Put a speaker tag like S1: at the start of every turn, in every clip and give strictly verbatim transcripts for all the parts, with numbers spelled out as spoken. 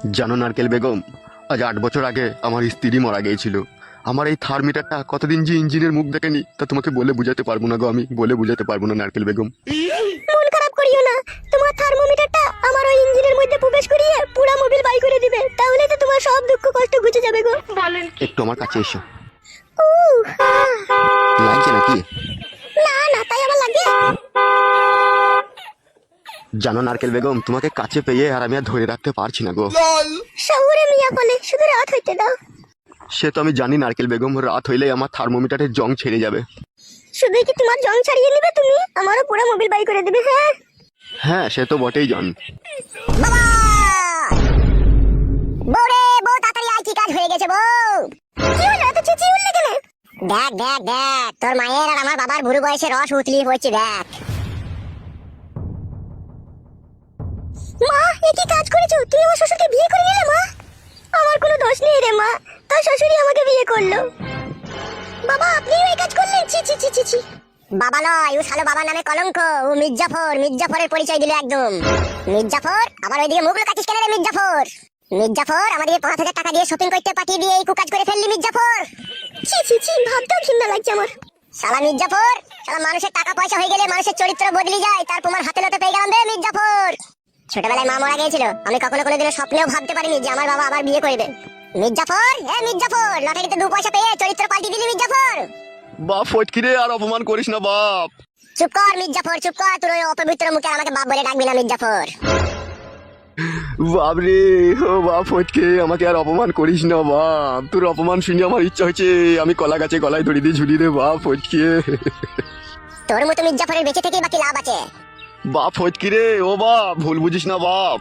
S1: জানো নারকেল বেগম, আজ আট বছর আগে আমার স্ত্রী মারা গিয়েছিল। আমার এই থার্মিটারটা কতদিন যে ইঞ্জিনের মুখ দেখেনি তা তোমাকে বলে বুঝাতে পারবো না গো, আমি বলে বুঝাতে পারবো না নারকেল বেগম।
S2: মন খারাপ করিও না, তোমার থার্মোমিটারটা আমার ওই ইঞ্জিনের মধ্যে প্রবেশ করিয়ে পুরো মোবিল বাই করে দিবে, তাহলে তো তোমার সব দুঃখ কষ্ট ঘুচে যাবে গো। বলেন
S1: একটু আমার কাছে এসো।
S2: উহ, আহ।
S1: লাগছে নাকি?
S2: না না, তাই আবার লাগে।
S1: জানো নারকেল বেগম, তোমাকে কাছে পেয়ে আর আমি আর ধরে রাখতে পারছি না গো।
S2: শহুরে মিয়া বলে শুধু রাত হইতে দাও।
S1: সে তো আমি জানি নারকেল বেগম, রাত হইলেই আমার থার্মোমিটারের জং ছেড়ে যাবে।
S2: শুধু কি তোমার জং ছাড়িয়ে নিবে তুমি, আমারও পুরো মোবিল বাই করে দিবে। হ্যাঁ
S1: হ্যাঁ সে তো বটেই জান।
S2: বাবা, বউরে বউ তাড়াতাড়ি আয়, কি কাজ হয়ে গেছে বউ? কি হলো, এত চেঁচিয়ে উঠলে কেন? দেখ দেখ দেখ, তোর মায়ের আর আমার বাবার বুড়ো বয়সে রস উতলিয়ে পড়ছে, দেখ। মা, এ কি কাজ করেছো তুমি? আমার শ্বশুরকে বিয়ে করে নিলে মা। আমার কোনো দোষ নেই রে মা, তার শ্বশুরই আমাকে বিয়ে করলো। বাবা, আপনিও এই কাজ করলেন? ছি ছি ছি ছি ছি। বাবা নয়, ও শালো বাবার নামে কলঙ্ক। ও মির্জাফর, মির্জাফরের পরিচয় দিল একদম। মির্জাফর, আবার ওইদিকে মুখ লুকাচ্ছিস কেন রে মির্জাফর? মির্জাফর, আমাদের পাঁচ হাজার টাকা দিয়ে শপিং করতে পাঠিয়ে দিয়ে এই কুকাজ করে ফেললি মির্জাফর। ছি ছি ছি, ভাবতেও ঘৃণা লাগছে আমার। শালা মির্জাফর, শালা মানুষের টাকা পয়সা হয়ে গেলে মানুষের চরিত্র বদলে যায়, তার প্রমাণ হাতে নাতে পেয়ে গেলাম রে মির্জাফর। ছোটবেলায় মা মারা গিয়েছিল, আমি কখনো কোনোদিনও স্বপ্নেও ভাবতে পারিনি যে আমার বাবা আবার বিয়ে করবে। মির্জাফর, এ মির্জাফর, লটারিতে দু পয়সা পেয়ে চরিত্র পাল্টি দিলি মির্জাফর।
S1: বাপ ফটকিরে, আর অপমান করিস না বাপ।
S2: চুপ কর মির্জাফর, চুপ কর, তোর ওই অপবিত্র মুখে আমাকে বাপ বলে ডাকবি না মির্জাফর।
S1: বাপ রে, ও বাপ ফটকে, আমাকে আর অপমান করিস না বাপ। তোর অপমান শুনে আমার ইচ্ছা হয়েছে আমি কলা গাছে গলায় দড়ি দিয়ে ঝুলি রে বাপ ফটকে।
S2: তোর মতো মির্জাফরের বেঁচে থেকে বাকি লাভ আছে?
S1: বাপ ফটকি রে, ও বাপ ভুল বুঝিস না বাপ।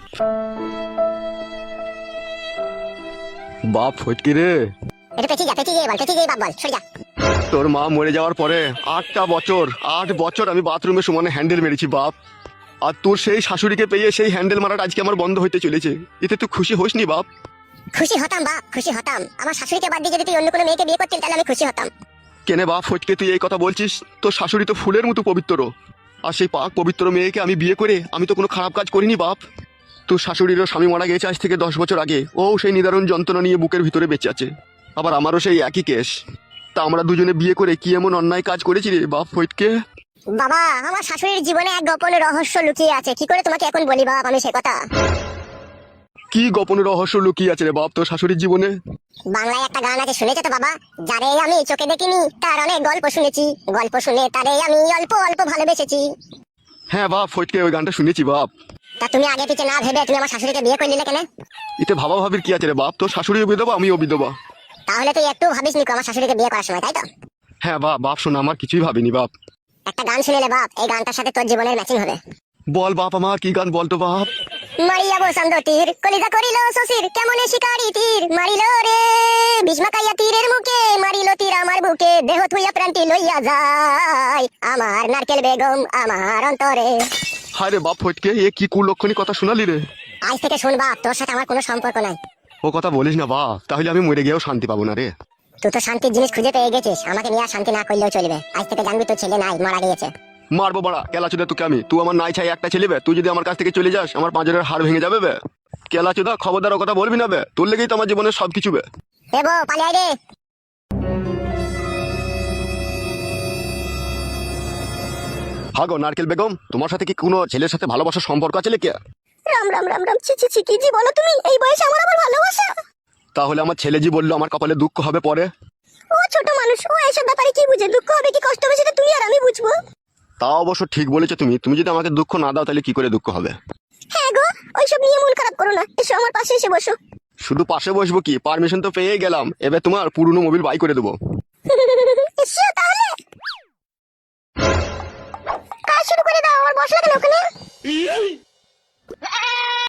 S1: বাপ ফটকি রে,
S2: এটা পেছি যা, পেছি গিয়ে বল, পেছি গিয়ে বাপ বল, সরে যা।
S1: তোর মা মরে যাওয়ার পরে আটটা বছর আট বছর আমি বাথরুমে সমানে হ্যান্ডেল মেরেছি বাপ। আর তোর সেই শাশুড়িকে পেয়ে সেই হ্যান্ডেল মারাটা আজকে আমার বন্ধ হইতে চলেছে, এতে তুই খুশি হোস নি বাপ?
S2: খুশি হতাম বাপ, খুশি হতাম। আমার শাশুড়িকে বাদ দিয়ে যদি তুই অন্য কোনো মেয়েকে বিয়ে করতিস তাহলে আমি খুশি হতাম।
S1: কেনে বাপ ফটকে তুই এই কথা বলছিস? তোর শাশুড়ি তো ফুলের মতো পবিত্র, আর সেই পাক পবিত্র মেয়েকে আমি বিয়ে করে আমি তো কোনো খারাপ কাজ করিনি বাপ। তোর শাশুড়িরও স্বামী মারা গেছে আজ থেকে দশ বছর আগে, ও সেই নিদারুণ যন্ত্রণা নিয়ে বুকের ভিতরে বেঁচে আছে। আবার আমারও সেই একই কেস। তা আমরা দুজনে বিয়ে করে কি এমন অন্যায় কাজ করেছি রে বাপ ফটকে?
S2: বাবা, আমার শাশুড়ির জীবনে এক গোপন রহস্য লুকিয়ে আছে, কি করে তোমাকে এখন বলি বাপ আমি সে কথা।
S1: কি গোপন রহস্য লুকিয়ে আছে রে বাপ তোর শাশুড়ির জীবনে?
S2: বাংলায় একটা গান আছে, শুনেছো তো বাবা? যারে আমি চোখে দেখিনি তার অনেক গল্প শুনেছি, গল্প শুনে তারে আমি অল্প অল্প ভালোবেসেছি।
S1: হ্যাঁ বাপ ফটকে, ওই গানটা শুনেছি বাপ।
S2: তা তুমি আগে পিছে না ভেবে তুমি আমার শাশুড়িকে বিয়ে করে নিলে কেন?
S1: এতে ভাবা ভাবির কি আছে রে বাপ? তোর শাশুড়িও বিধবা আমিও বিধবা।
S2: তাহলে তুই একটু ভাবিস নি আমার শাশুড়িকে বিয়ে করার সময়, তাই তো?
S1: হ্যাঁ বাপ, বাপ শোনা, আমার কিছুই ভাবিনি বাপ।
S2: একটা গান শুনেলে বাপ, এই গানটার সাথে তোর জীবনের ম্যাচিং হবে।
S1: বল বাপ, আমার কি গান বলতো বাপ?
S2: মারিয়া বসন্ত তীর কলিজা করিল শশীর, কেমনে শিকারি তীর মারিল রে, ভীষ্মাকাইয়া তীরের মুখে মারিল তীর আমার বুকে, দেহ থুইয়া প্রান্তি লইয়া যায় আমার নারকেল বেগম আমার অন্তরে।
S1: হায় রে বাপ ফটকে, এ কি কুলক্ষণী কথা শোনালি রে।
S2: আজ থেকে শুন বাপ, তোর সাথে আমার কোনো সম্পর্ক নাই।
S1: ও কথা বলিস না বাপ, তাহলে আমি মরে গিয়েও শান্তি পাবো না রে।
S2: তুই তো শান্তির জিনিস খুঁজে পেয়ে গেছিস, আমাকে নিয়ে আর শান্তি না করলেও চলবে। আজ থেকে জানবি তোর ছেলে নাই, মারা গিয়েছে।
S1: মারবো বাড়া কেলাচোদা তোকে আমি। তুই আমার নাই ছাই একটা ছেলে বে, তুই যদি আমার কাছ থেকে চলে যাস আমার পাঁজরের হাড় ভেঙে যাবে বে। কেলাচোদা খবরদার ও কথা বলবি না বে, তোর লেগেই তো আমার জীবনের সবকিছু বে।
S2: এ বউ পালিয়ে আয় রে।
S1: হাগো নারকেল বেগম, তোমার সাথে কি কোনো ছেলের সাথে ভালোবাসার সম্পর্ক আছে লেকে?
S2: রাম রাম রাম রাম, ছি ছি ছি, কি জি বলো তুমি? এই বয়সে আমার আবার ভালোবাসা?
S1: তাহলে আমার ছেলে জি বললো আমার কপালে দুঃখ হবে পরে।
S2: ও ছোট মানুষ, ও এইসব ব্যাপারে কি বুঝে? দুঃখ হবে কি কষ্ট হবে সেটা তুমি আর আমি বুঝবো।
S1: তা অবশ্য ঠিক বলেছো তুমি, তুমি যদি আমাকে দুঃখ না দাও তাহলে কি করে দুঃখ হবে?
S2: হ্যাঁ গো, ওইসব নিয়ে মন খারাপ করো না, এসো আমার পাশে এসে বসো।
S1: শুধু পাশে বসবো কি, পারমিশন তো পেয়ে গেলাম, এবার তোমার পুরনো মোবিল বাই করে দেবো।
S2: এসো।